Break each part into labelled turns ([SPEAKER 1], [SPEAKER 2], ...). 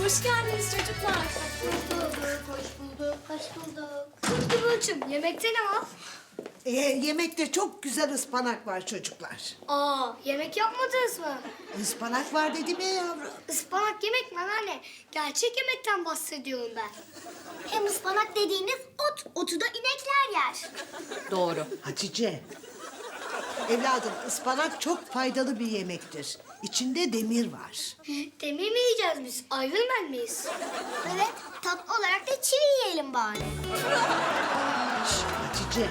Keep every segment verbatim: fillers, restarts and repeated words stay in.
[SPEAKER 1] Hoş geldiniz çocuklar.
[SPEAKER 2] Hoş bulduk, hoş bulduk, hoş bulduk. Kız Kıvılcım, yemekte ne var?
[SPEAKER 3] Ee, yemekte çok güzel ıspanak var çocuklar.
[SPEAKER 2] Aa, yemek yapmadınız mı?
[SPEAKER 3] Ispanak var dedim ya yavrum.
[SPEAKER 2] Ispanak yemek mi anne? Gerçek yemekten bahsediyorum ben. Hem ıspanak dediğiniz ot, otu da inekler yer.
[SPEAKER 1] Doğru.
[SPEAKER 3] Hatice. Evladım ıspanak çok faydalı bir yemektir. İçinde demir var.
[SPEAKER 2] Demir mi yiyeceğiz biz? Iron Man miyiz? Evet, tatlı olarak da çivi yiyelim bari.
[SPEAKER 3] Şş, Hatice.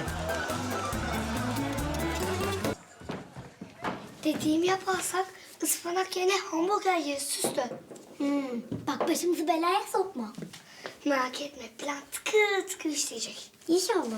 [SPEAKER 2] Dediğimi yaparsak ıspanak yerine hamburger yeriz Süslü. Hmm, bak başımızı belaya sokma. Merak etme, plan tıkır tıkır işleyecek. İnşallah.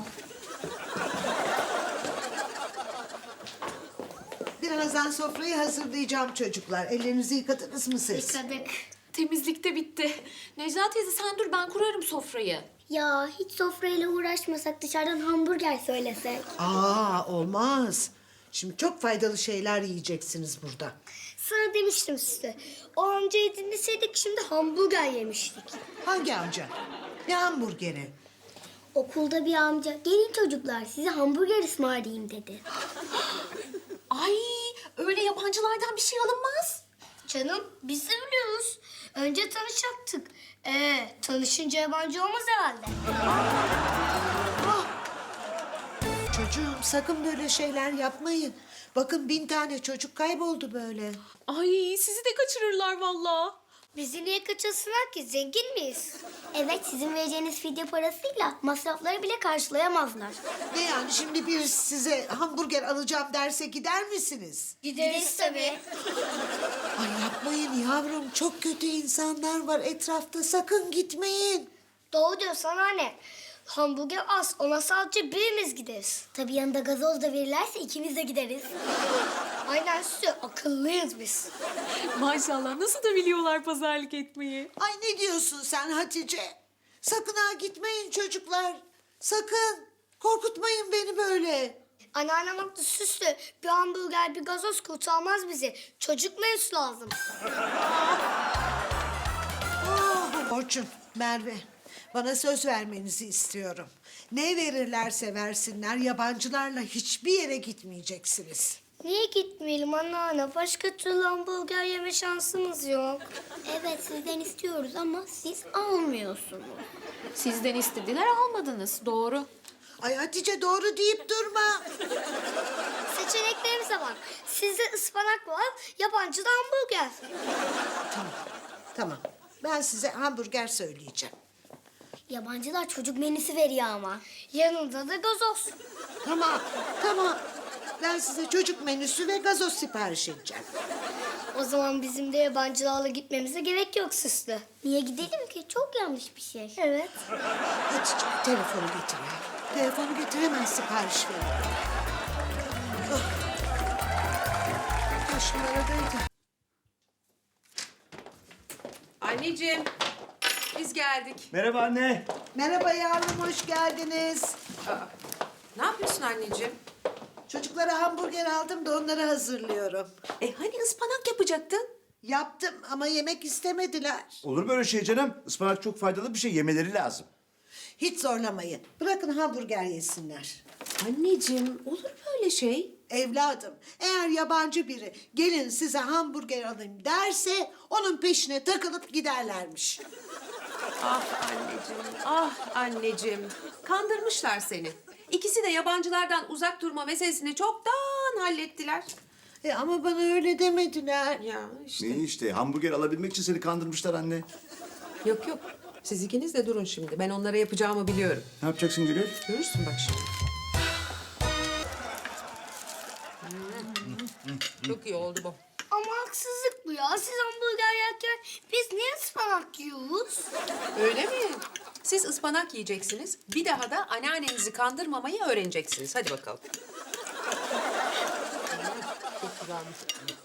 [SPEAKER 3] Birazdan sofrayı hazırlayacağım çocuklar. Ellerinizi yıkadınız mı siz?
[SPEAKER 2] Yıkadık.
[SPEAKER 1] Temizlik de bitti. Necla teyze sen dur ben kurarım sofrayı.
[SPEAKER 2] Ya hiç sofrayla uğraşmasak dışarıdan hamburger söylesek.
[SPEAKER 3] Aa olmaz. Şimdi çok faydalı şeyler yiyeceksiniz burada.
[SPEAKER 2] Sana demiştim size. O amcayı dinleseydik şimdi hamburger yemiştik.
[SPEAKER 3] Hangi amca? Ne hamburgeri?
[SPEAKER 2] Okulda bir amca gelin çocuklar size hamburger ısmarlayayım dedi.
[SPEAKER 1] Ay öyle yabancılardan bir şey alınmaz.
[SPEAKER 2] Canım biz de biliyoruz. Önce tanışacaktık. Ee, tanışınca yabancı olmaz herhalde.
[SPEAKER 3] Çocuğum sakın böyle şeyler yapmayın. Bakın bin tane çocuk kayboldu böyle.
[SPEAKER 1] Ay sizi de kaçırırlar vallahi.
[SPEAKER 2] Bizi niye kaçırsınlar ki? Zengin miyiz? Evet, sizin vereceğiniz fidye parasıyla masrafları bile karşılayamazlar.
[SPEAKER 3] Ne yani şimdi bir size hamburger alacağım derse gider misiniz?
[SPEAKER 2] Gideriz tabii.
[SPEAKER 3] Ay yapmayın yavrum çok kötü insanlar var etrafta sakın gitmeyin.
[SPEAKER 2] Doğru diyorsun anne. Hamburger az, ona sadece birimiz gideriz. Tabii yanında gazoz da verirlerse ikimiz de gideriz. Aynen Süsü, akıllıyız biz.
[SPEAKER 1] Maşallah nasıl da biliyorlar pazarlık etmeyi.
[SPEAKER 3] Ay ne diyorsun sen Hatice? Sakın ha gitmeyin çocuklar. Sakın korkutmayın beni böyle.
[SPEAKER 2] Anneannem haklı Süslü. Bir hamburger, bir gazoz kurtarmaz bizi. Çocuk menüsü lazım.
[SPEAKER 3] Ah, Orçun, Merve. Bana söz vermenizi istiyorum. Ne verirlerse versinler yabancılarla hiçbir yere gitmeyeceksiniz.
[SPEAKER 2] Niye gitmeyelim anneanne? Başka türlü hamburger yeme şansımız yok. Evet sizden istiyoruz ama siz almıyorsunuz.
[SPEAKER 1] Sizden istediler almadınız doğru.
[SPEAKER 3] Ay Hatice doğru deyip durma.
[SPEAKER 2] Seçeneklerimize bak. Sizde ıspanak var, yabancıda hamburger.
[SPEAKER 3] Tamam, tamam. Ben size hamburger söyleyeceğim.
[SPEAKER 2] Yabancılar çocuk menüsü veriyor ama. Yanında da gazoz.
[SPEAKER 3] Tamam, tamam. Ben size çocuk menüsü ve gazoz sipariş edeceğim.
[SPEAKER 2] O zaman bizim de yabancılarla gitmemize gerek yok Süslü. Niye gidelim ki? Çok yanlış bir şey. Evet.
[SPEAKER 3] Hatice telefonu getir ya. Telefonu getir hemen sipariş verin. Oh. Kaç numaradaydı?
[SPEAKER 4] Anneciğim, biz geldik.
[SPEAKER 5] Merhaba anne.
[SPEAKER 3] Merhaba yavrum, hoş geldiniz.
[SPEAKER 4] Ne yapıyorsun anneciğim?
[SPEAKER 3] Çocuklara hamburger aldım da onları hazırlıyorum.
[SPEAKER 4] E hani ıspanak yapacaktın?
[SPEAKER 3] Yaptım ama yemek istemediler.
[SPEAKER 5] Olur böyle şey canım. Ispanak çok faydalı bir şey. Yemeleri lazım.
[SPEAKER 3] Hiç zorlamayın. Bırakın hamburger yesinler.
[SPEAKER 4] Anneciğim, olur böyle şey.
[SPEAKER 3] Evladım, eğer yabancı biri gelin size hamburger alayım derse onun peşine takılıp giderlermiş.
[SPEAKER 4] Ah anneciğim, ah anneciğim. Kandırmışlar seni. İkisi de yabancılardan uzak durma meselesini çoktan hallettiler.
[SPEAKER 3] E ama bana öyle demediler.
[SPEAKER 4] Ya işte.
[SPEAKER 5] Ne işte hamburger alabilmek için seni kandırmışlar anne.
[SPEAKER 4] Yok yok, siz ikiniz de durun şimdi. Ben onlara yapacağımı biliyorum.
[SPEAKER 5] Ne yapacaksın Gülür?
[SPEAKER 4] Görürsün bak şimdi. Çok iyi oldu bu.
[SPEAKER 2] Ama haksızlık bu ya. Siz hamburger yerken biz niye ıspanak yiyoruz?
[SPEAKER 4] Öyle mi? Siz ıspanak yiyeceksiniz. Bir daha da anneannenizi kandırmamayı öğreneceksiniz. Hadi bakalım. Çok güzelmiş.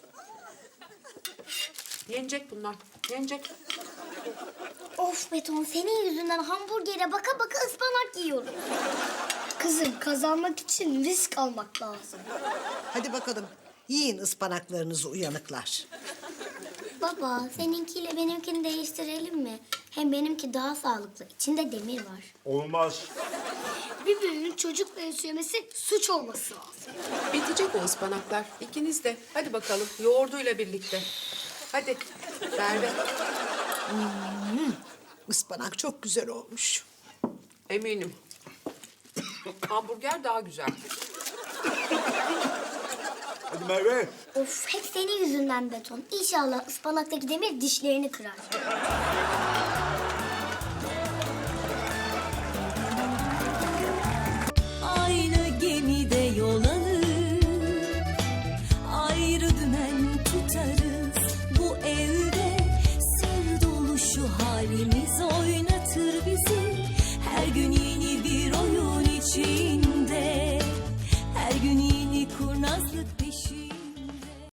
[SPEAKER 4] Yenecek bunlar. Yenecek.
[SPEAKER 2] Of Beton, senin yüzünden hamburgere baka baka ıspanak yiyorum. Kızım, kazanmak için risk almak lazım.
[SPEAKER 3] Hadi bakalım yiyin ıspanaklarınızı uyanıklar.
[SPEAKER 2] Baba, seninkiyle benimkini değiştirelim mi? Hem benimki daha sağlıklı. İçinde demir var.
[SPEAKER 5] Olmaz.
[SPEAKER 2] Birbirinin çocukları söylemesi suç olması lazım.
[SPEAKER 4] Bitecek o ıspanaklar. İkiniz de. Hadi bakalım yoğurduyla birlikte. Hadi Merve.
[SPEAKER 3] Ispanak çok güzel olmuş.
[SPEAKER 4] Eminim. Hamburger daha güzel.
[SPEAKER 5] Hadi Merve.
[SPEAKER 2] Of, hep senin yüzünden beton. İnşallah ıspanaktaki demir dişlerini kırar.
[SPEAKER 6] Aynı gemide yol alır, ayrı dümen tutarız. Bu evde sır dolu şu halimiz oynar.